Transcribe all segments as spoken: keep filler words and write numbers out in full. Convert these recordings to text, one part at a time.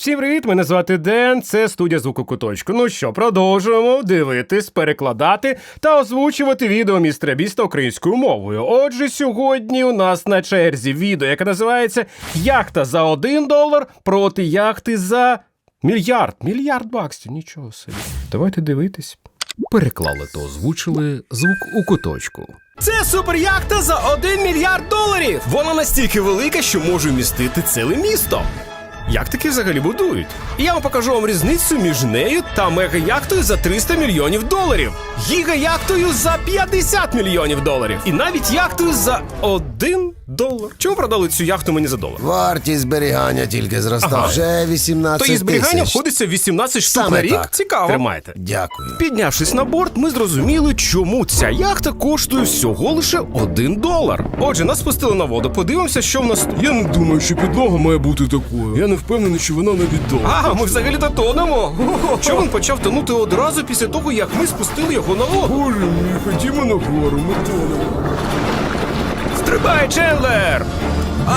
Всім привіт, мене звати Ден, це студія Звуку Куточку. Ну що, продовжуємо дивитись, перекладати та озвучувати відео містера Біста українською мовою. Отже, сьогодні у нас на черзі відео, яке називається «Яхта за один долар проти яхти за мільярд». Мільярд баксів, нічого собі. Давайте дивитись. Переклали та озвучили Звук у Куточку. Це суперяхта за один мільярд доларів! Вона настільки велика, що може вмістити ціле місто. Як таки взагалі будують? І я вам покажу вам різницю між нею та мега-яхтою за триста мільйонів доларів, гіга-яхтою за п'ятдесят мільйонів доларів і навіть яхтою за один долар. Чому продали цю яхту мені за долар? Вартість зберігання тільки зросла. Ага. Вже вісімнадцять То її зберігання тисяч. входиться в вісімнадцять штук Саме на рік? так. Цікаво. Тримайте. Дякую. Піднявшись на борт, ми зрозуміли, чому ця яхта коштує всього лише один долар. Отже, нас спустили на воду, подивимося, що в нас... Я не думаю, що підлога має бути такою. Я не впевнений, що вона не відома. А, ми взагалі-то тонемо. Човен почав тонути одразу після того, як ми спустили його на воду. Боже мій, ходімо нагору, ми тонемо. Стрибай, Чендлер! А!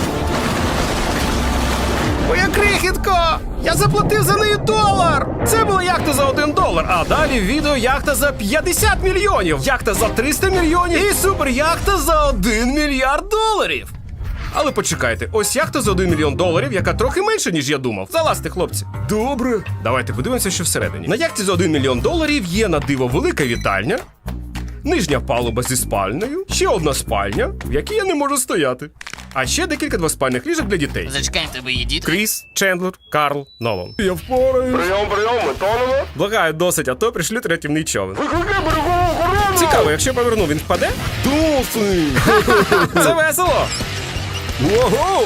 Моя крихітко! Я заплатив за неї долар! Це була яхта за один долар, а далі в відео яхта за п'ятдесят мільйонів, яхта за триста мільйонів і суперяхта за один мільярд доларів. Але почекайте, ось яхта за один мільйон доларів, яка трохи менше, ніж я думав. Залазьте, хлопці. Добре. Давайте подивимося, що всередині. На яхті за один мільйон доларів є на диво велика вітальня, нижня палуба зі спальнею, ще одна спальня, в якій я не можу стояти. А ще декілька двоспальних ліжок для дітей. Зачекай, в тебе є діти? Кріс, Чендлер, Карл, Нолан. Я впораюсь. Прийом, прийом, ми тонемо. Благаю, досить, а то пришлють рятівний човен. Цікаво, якщо поверну, він впаде? Досить. Це весело! Ого!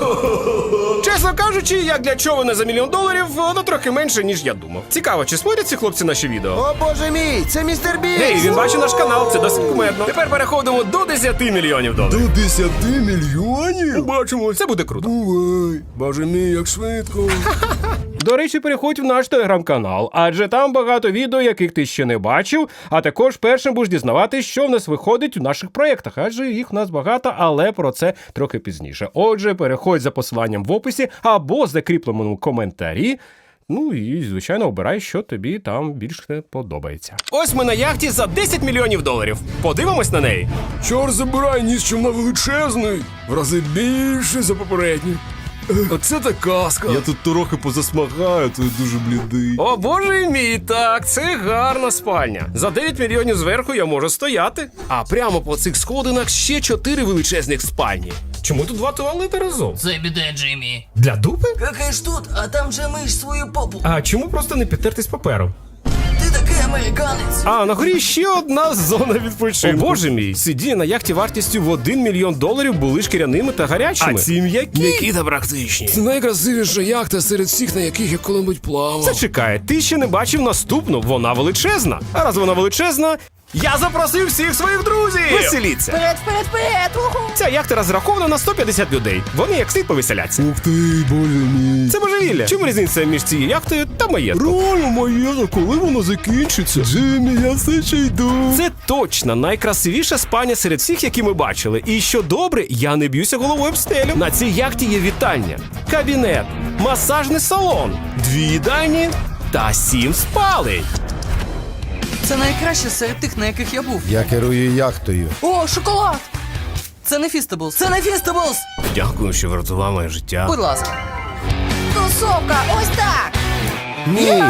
Чесно кажучи, як для човена за мільйон доларів, воно трохи менше, ніж я думав. Цікаво, чи смотрять ці хлопці наші відео? О, боже мій, це містер Біст! Гей, він бачить наш канал, це досить кумедно. Тепер переходимо до десяти мільйонів доларів. До десяти мільйонів? Побачимо, це буде круто. Бувай. Боже мій, як швидко. До речі, переходь в наш телеграм-канал, адже там багато відео, яких ти ще не бачив, а також першим будеш дізнаватись, що в нас виходить у наших проєктах, адже їх в нас багато, але про це трохи пізніше. Отже, переходь за посиланням в описі або закріпленому коментарі, ну і, звичайно, обирай, що тобі там більше подобається. Ось ми на яхті за десять мільйонів доларів. Подивимось на неї. Чор забирай ніс, що вона величезний. В рази більше за попередній. Оце та казка. Я тут трохи позасмагаю, то я дуже блідий. О, боже мій, так, це гарна спальня. За дев'ять мільйонів зверху я можу стояти. А прямо по цих сходинах ще чотири величезних спальні. Чому тут два туалети разом? Це біде, Джиммі. Для дупи? Какаєш тут, а там же миш свою попу. А чому просто не підтертись папером? Ти такий американець. А на горі ще одна зона відпочинку. О, боже мій, сидіння на яхті вартістю в один мільйон доларів були шкіряними та гарячими. А ці м'які. М'які та практичні. Це найкрасивіша яхта серед всіх, на яких я коли-небудь плавав. Зачекай, ти ще не бачив наступну, вона величезна. А раз вона величезна, я запросив всіх своїх друзів! Веселіться! Вперед, вперед, вперед! Уху! Ця яхта розрахована на сто п'ятдесят людей. Вони як слід повеселяться. Ух ти, боже мій. Це божевілля. Чому різниця між цією яхтою та маєтком? Реально моє, коли воно закінчиться? Джиммі, я все ще йду. Це точно найкрасивіша спальня серед всіх, які ми бачили. І що добре, я не б'юся головою об стелю. На цій яхті є вітальня, кабінет, масажний салон, дві їдальні та сім спалень. Це найкраще серед тих, на яких я був. Я керую яхтою. О, шоколад! Це не Фістаблс! Це не Фістаблс! Дякую, що врятував моє життя. Будь ласка. Тусовка, ось так! Ні!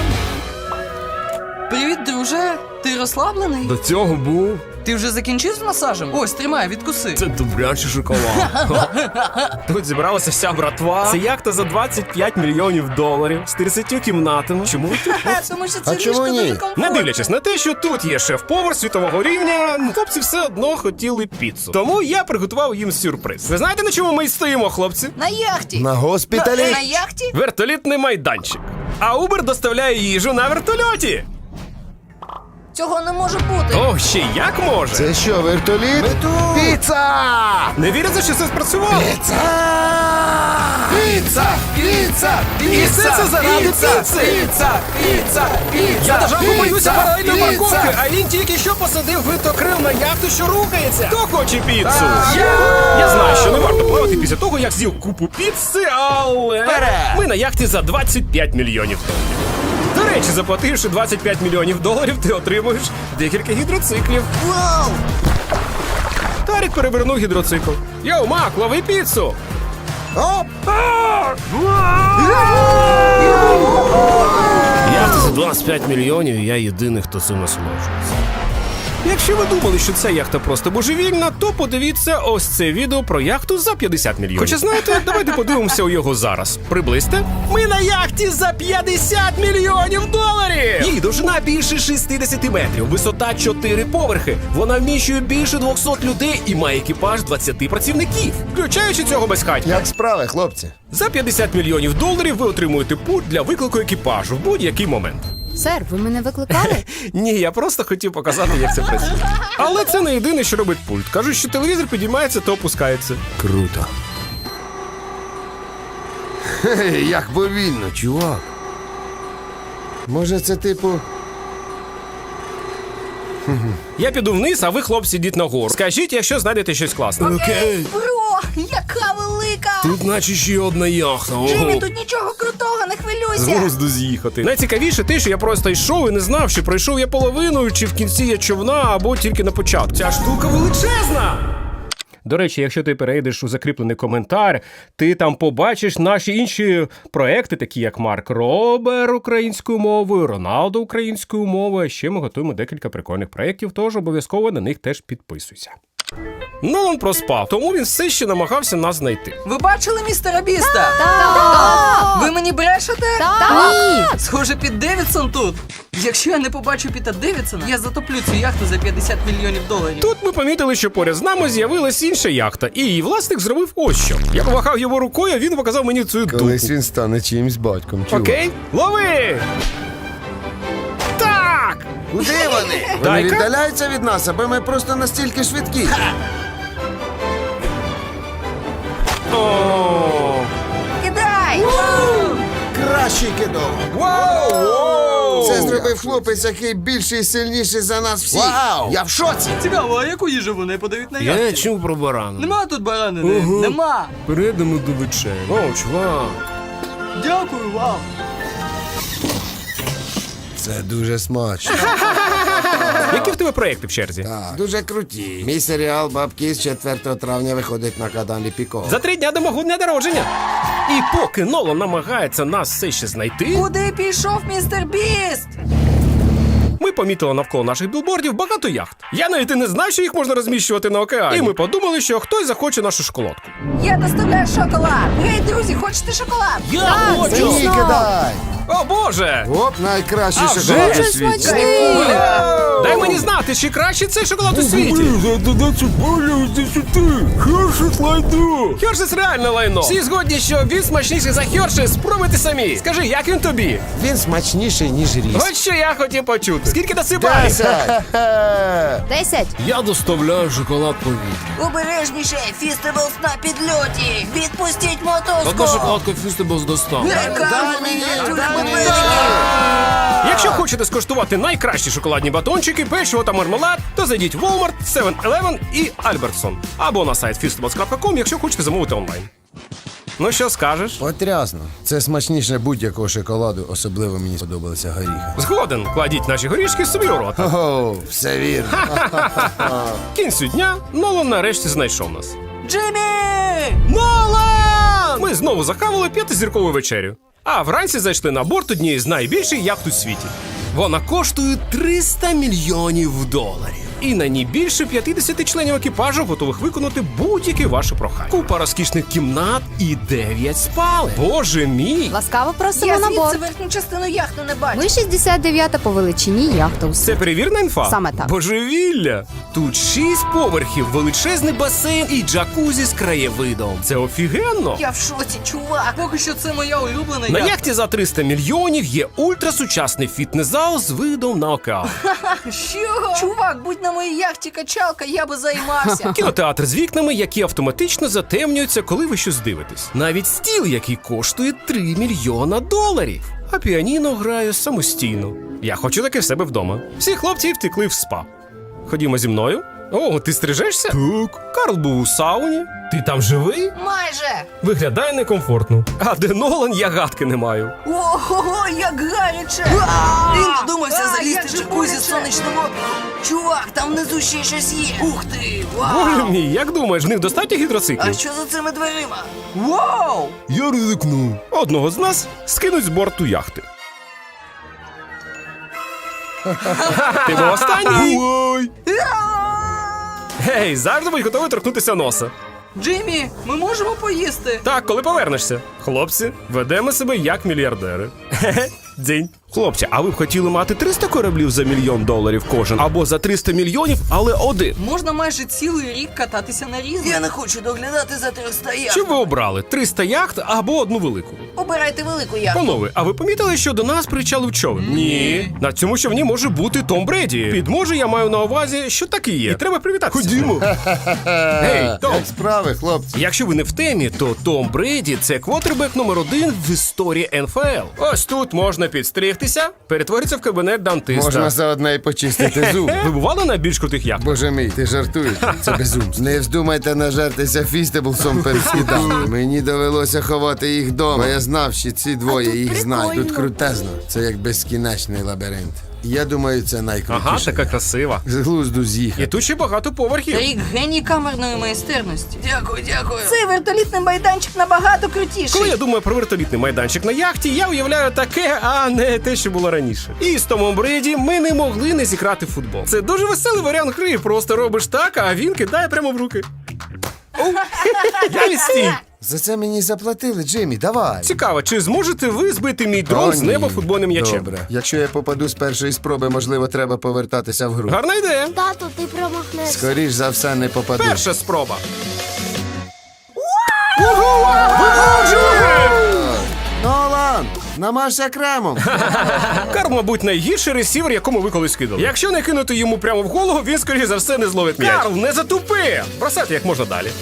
Привіт, друже! Ти розслаблений? До цього був. Ти вже закінчив з масажем? Ось, тримай, відкуси. Це добрячий шоколад. Тут зібралася вся братва. Це яхта за двадцять п'ять мільйонів доларів з тридцятю кімнатами. Чому ви тут? Тому що А це чому ліжко ні? дуже комфортне. Не дивлячись на те, що тут є шеф-повар світового рівня, хлопці все одно хотіли піцу. Тому я приготував їм сюрприз. Ви знаєте, на чому ми й стоїмо, хлопці? На яхті. На госпіталі? На яхті? Вертолітний майданчик. А Uber доставляє їжу на вертольоті. Цього не може бути. О, ще як може? Це що, вертоліт? Піца! Не віриться, що це спрацювало? Піца! Піца! Піца! І все це заради піци! Піца! Піца! Піца! Я даже боюся Піца! паралельної Піца! парковки, а він тільки що посадив винтокрил на яхту, що рухається. Хто хоче піцу? Я знаю, що не варто плавати після того, як з'їв купу піци, але ми на яхті за двадцять п'ять мільйонів доларів. До речі, заплативши двадцять п'ять мільйонів доларів, ти отримуєш декілька гідроциклів. Вау! Тарік перевернув гідроцикл. Йоу, Мак, лови піцу! Оп! Яхта за двадцять п'ять мільйонів, і я єдиний, хто цим насолоджується. Якщо ви думали, що ця яхта просто божевільна, то подивіться ось це відео про яхту за п'ятдесят мільйонів. Хоча знаєте, давайте подивимося у його зараз. Приблизьте. Ми на яхті за п'ятдесят мільйонів доларів! Її довжина більше шістдесят метрів, висота чотири поверхи. Вона вміщує більше двохсот людей і має екіпаж двадцять працівників, включаючи цього безхатька. Як справи, хлопці? За п'ятдесят мільйонів доларів ви отримуєте пульт для виклику екіпажу в будь-який момент. Сер, ви мене викликали? Ні, я просто хотів показати, як це працює. Але це не єдине, що робить пульт. Кажуть, що телевізор підіймається, то опускається. Круто. Хе, як повільно, чувак. Може, це типу. Я піду вниз, а ви, хлопці, йдіть нагору. Скажіть, якщо знайдете щось класне. Окей, бро, яка велика! Тут наче ще одна яхта. Джиммі, тут нічого крутого, не хвилюйся! Глузду з'їхати. Найцікавіше те, що я просто йшов і не знав, чи пройшов я половину, чи в кінці я човна, або тільки на початку. Ця штука величезна! До речі, якщо ти перейдеш у закріплений коментар, ти там побачиш наші інші проекти, такі як Марк Робер українською мовою, Роналдо українською мовою. А ще ми готуємо декілька прикольних проєктів, тож обов'язково на них теж підписуйся. Нолан проспав, тому він все ще намагався нас знайти. Ви бачили містера Біста? Так! Ви мені брешете? Ні! Схоже, Піт Девідсон тут. Якщо я не побачу Піта Девідсона, я затоплю цю яхту за п'ятдесят мільйонів доларів. Тут ми помітили, що поряд з нами з'явилась інша яхта, і її власник зробив ось що. Я помахав його рукою, а він показав мені цю дупу. Колись він стане чиїмсь батьком, чувак. Окей, лови! Так! Куди вони? Вони Дай-ка. віддаляються від нас, аби ми просто настільки швидкі. О! Кидай! Кращий кидок. Вау! Це зробив хлопець, який більший і сильніший за нас всіх. Вау! Я в шоці. Цікаво, а яку їжу вони подають на Я яхті? чув про барану. Нема тут баранини, нема. Перейдемо до вечері. О, чувак. Дякую вам. Це дуже смачно. Які в тебе проекти в черзі? Так, дуже круті. Мій серіал «Бабки» з четвертого травня виходить на каналі Піко. За три дня до мого дня народження. І поки Нолан намагається нас все ще знайти, Куди пішов містер Біст? ми помітили навколо наших білбордів багато яхт. Я навіть і не знав, що їх можна розміщувати на океані. І ми подумали, що хтось захоче нашу шоколадку. Я доставляю шоколад! Гей, друзі, хочете шоколад? Я Так, хочу! звісно. Ні, кидай! О, Боже! Оп, найкращий А, шоколад вже у світі. смачний! Дай мені знати, чи краще цей шоколад у світі. Хершес реальне лайно. Всі згодні, що він смачніший за Хершес. Спробуйте самі. Скажи, як він тобі? Він смачніший, ніж ріс. Ось що я хотів почути. Скільки насипаєш? Десять! Десять! Я доставляю шоколад повітря. Обережніше, Фістеблс на підльоті! Відпустіть мотузку! Одна шоколадка Фістеблс достав. Дай мені, дай мені! Якщо хочете скуштувати найкращі шоколадні батончики, печиво та мармелад, то зайдіть в Walmart, севен елевен і Albertson. Або на сайт фістеблс крапка ком, якщо хочете замовити онлайн. Ну що скажеш? Потрясно. Це смачніше будь-якого шоколаду, особливо мені сподобалися горіхи. Згоден, кладіть наші горішки собі у рот. Ого, все вірно. Кінцю дня Нолан нарешті знайшов нас. Джиммі! Нолан! Ми знову захавали п'ятизіркову вечерю. А вранці зайшли на борт однієї з найбільших яхт у світі. Вона коштує триста мільйонів доларів. І на ній більше п'ятдесят членів екіпажу готових виконати будь-які ваші прохання. Купа розкішних кімнат і дев'ять спалень. Боже мій! Ласкаво просимо Я на звідси борт. верхню частину яхти не бачу. Ми шістдесят дев'ята по величині яхта у Це світі. перевірна інфа? Саме так. Божевілля! Тут шість поверхів, величезний басейн і джакузі з краєвидом. Це офігенно! Я в шоці, чувак! Поки що це моя улюблена На яхта. яхті за триста мільйонів є ультрасучасний фітнес-зал з видом на океан. Що? Чувак, будь на на моїй яхті качалка, я би займався. Кінотеатр з вікнами, які автоматично затемнюються, коли ви щось дивитесь. Навіть стіл, який коштує три мільйона доларів. А піаніно грає самостійно. Я хочу таке в себе вдома. Всі хлопці втекли в спа. Ходімо зі мною. О, ти стрижешся? Так. Карл був у сауні. Ти там живий? Майже. Виглядає некомфортно. А де Нолан, я гадки не маю. Ого, як гаряче! Він додумався залізти в джакузі з сонячним опіком. Чувак, там внизу ще щось є. Ух ти, Боже вау! мій, як думаєш, в них достатньо А гідроциклів? що за цими дверима? Вау! Я ризикну. Одного з нас скинуть з борту яхти. Ти був останній? Ой! Гей, завжди будь готовий торкнутися носа. Джиммі, ми можемо поїсти? Так, коли повернешся. Хлопці, ведемо себе як мільярдери. Хе-хе, дзінь. Хлопці, а ви б хотіли мати триста кораблів за мільйон доларів кожен? Або за триста мільйонів, але один? Можна майже цілий рік кататися на різних. Я не хочу доглядати за триста яхт. Що б ви обрали? триста яхт або одну велику? Обирайте велику яхту. Панове, а ви помітили, що до нас причалив човен? Ні. На цьому човні може бути Том Бреді. Під може я маю на увазі, що так і є. І треба привітатися. Ходімо. Гей, Том. Як справи, хлопці? Якщо ви не в темі, то Том Бреді – це квотербек номер один в історії ен еф ел. Ось тут можна підстригтися, перетворитися в кабінет дантиста. Можна заодно і почистити зуб. Ви бували на більш крутих яхтах? Боже мій, ти жартуєш? Це безумство. Не вздумайте нажертися фістеблсом перед скиданням. Мені довелося ховати їх вдома. Я знав, що ці двоє їх знають. Тут крутезно. Це як безкінечний лабіринт. Я думаю, це найкрутіше. Ага, така красива. З глузду І з'їхати. тут ще багато поверхів. Рік геній камерної майстерності. Дякую, дякую. Цей вертолітний майданчик набагато крутіший. Коли я думаю про вертолітний майданчик на яхті, я уявляю таке, а не те, що було раніше. І з Томом Бреді ми не могли не зіграти в футбол. Це дуже веселий варіант гри. Просто робиш так, а він кидає прямо в руки. Оу, я відстій. За це мені заплатили, Джиммі, давай. Цікаво, чи зможете ви збити мій дрон О, з ні. неба футбольним м'ячем? Добре. Якщо я попаду з першої спроби, можливо, треба повертатися в гру. Гарна ідея. Тату, ти промахнешся. Скоріш за все, не попаду. Перша спроба. Нолан, намажся кремом. Карл, мабуть, найгірший ресівер, якому ви колись кидали. Якщо не кинути йому прямо в голову, він, скоріше за все, не зловить м'яч. Карл, не затупи! Бросайте як можна далі.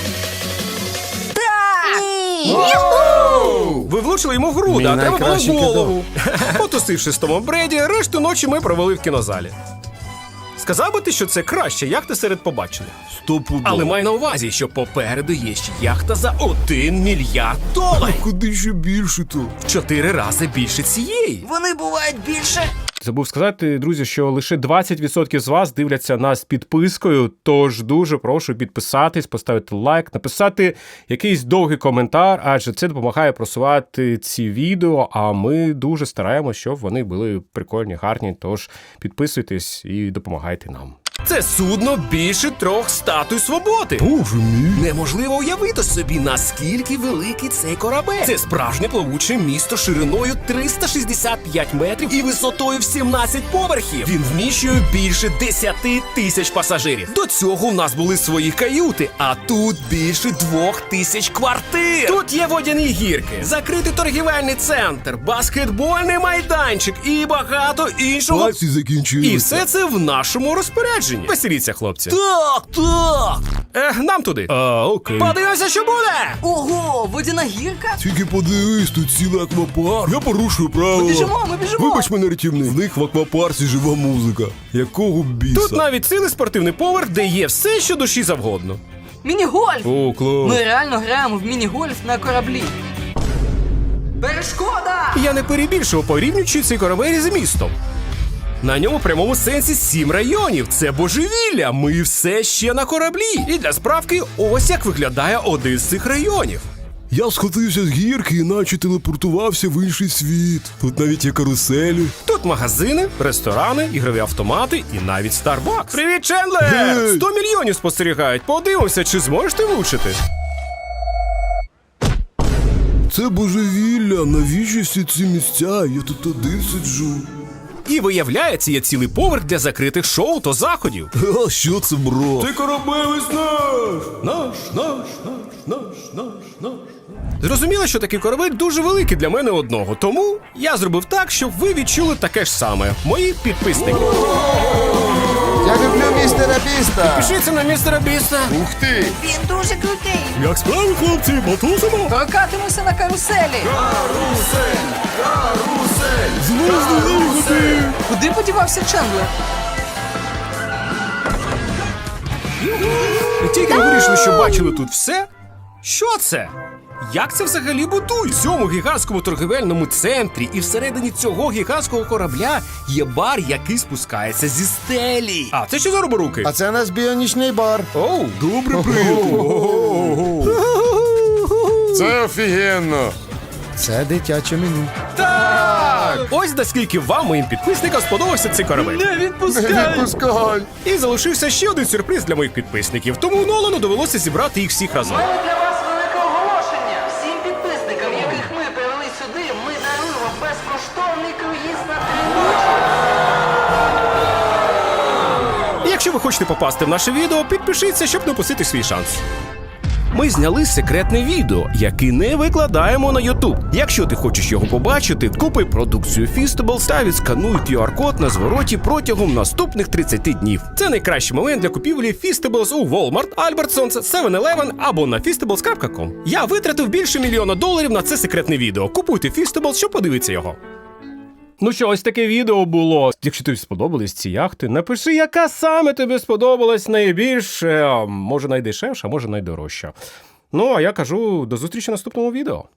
Ви влучили йому в груди, Мій а треба було в найкращий голову. Потусивши з Томом Бреді, решту ночі ми провели в кінозалі. Сказав би ти, що це краще яхта серед побачених. Стопудово. Але май на увазі, що попереду є ще яхта за один мільярд доларів. Куди ще більше то? В чотири рази більше цієї. Вони бувають більше. Забув сказати, друзі, що лише двадцять відсотків з вас дивляться нас з підпискою, тож дуже прошу підписатись, поставити лайк, написати якийсь довгий коментар, адже це допомагає просувати ці відео, а ми дуже стараємося, щоб вони були прикольні, гарні, тож підписуйтесь і допомагайте нам. Це судно більше трьох статуй свободи. Боже мій. Неможливо уявити собі, наскільки великий цей корабель. Це справжнє плавуче місто шириною триста шістдесят п'ять метрів і висотою в сімнадцять поверхів. Він вміщує більше десяти тисяч пасажирів. До цього в нас були свої каюти, а тут більше двох тисяч квартир. Тут є водяні гірки, закритий торгівельний центр, баскетбольний майданчик і багато іншого. Пальці закінчилися. І все це в нашому розпорядженні. Веселіться, хлопці. Так, так. Е, нам туди. А, окей. Подивимося, що буде. Ого, водяна гірка? Тільки подивись, тут цілий аквапарк. Я порушую правила. Ми біжимо, ми біжимо. Вибач мене, рятівник. В них в аквапарці жива музика. Якого біса? Тут навіть цілий спортивний поверх, де є все, що душі завгодно. Міні-гольф! О, клас. Ми реально граємо в міні-гольф на кораблі. Перешкода! Я не перебільшував, порівнюючи цей корабель з містом. На ньому в прямому сенсі сім районів. Це божевілля. Ми все ще на кораблі. І для справки, ось як виглядає один з цих районів. Я схотився з гірки, іначе телепортувався в інший світ. Тут навіть є каруселі. Тут магазини, ресторани, ігрові автомати і навіть Starbucks. Привіт, Чендлер! Гей! сто мільйонів спостерігають. Подивимося, чи зможеш ти влучити. Це божевілля. Навіщо всі ці місця? Я тут один сиджу. І виявляється, є цілий поверх для закритих шоу та заходів. А що це, бро? Цей корабель весь наш! Наш, наш, наш, наш, наш, наш. Зрозуміло, що такий корабель дуже великий для мене одного, тому я зробив так, щоб ви відчули таке ж саме. Мої підписники. Я люблю містера Біста. Пишіться на містера Біста. Ух ти! Він дуже крутий. Як справи, хлопці, потусимо? Прокатимося на каруселі. Куди подівався Чендлер? Тільки ми вирішили, що бачили тут все. Що це? Як це взагалі будують? В цьому гігантському торгівельному центрі і всередині цього гігантського корабля є бар, який спускається зі стелі. А це що за роборуки? А це наш біонічний бар. Оу, добре, приємно. Це офігенно. Це дитяче меню. Так! Ось наскільки вам, моїм підписникам, сподобався цей корабель. Не відпускай! Відпускай. І залишився ще один сюрприз для моїх підписників, тому Нолану довелося зібрати їх всіх разом. У мене для вас велике оголошення. Всім підписникам, яких ми привели сюди, ми даруємо безкоштовний круїз на три ночі. І якщо ви хочете попасти в наше відео, підпишіться, щоб не упустити свій шанс. Ми зняли секретне відео, яке не викладаємо на YouTube. Якщо ти хочеш його побачити, купи продукцію Feastables та відскануй кью ар-код на звороті протягом наступних тридцяти днів. Це найкращий момент для купівлі Feastables у Walmart, Albertsons, севен елевен або на feastables крапка ком. Я витратив більше мільйона доларів на це секретне відео. Купуйте Feastables, щоб подивитися його. Ну що, ось таке відео було. Якщо тобі сподобались ці яхти, напиши, яка саме тобі сподобалась найбільш, е, може найдешевша, може найдорожча. Ну, а я кажу, до зустрічі в наступному відео.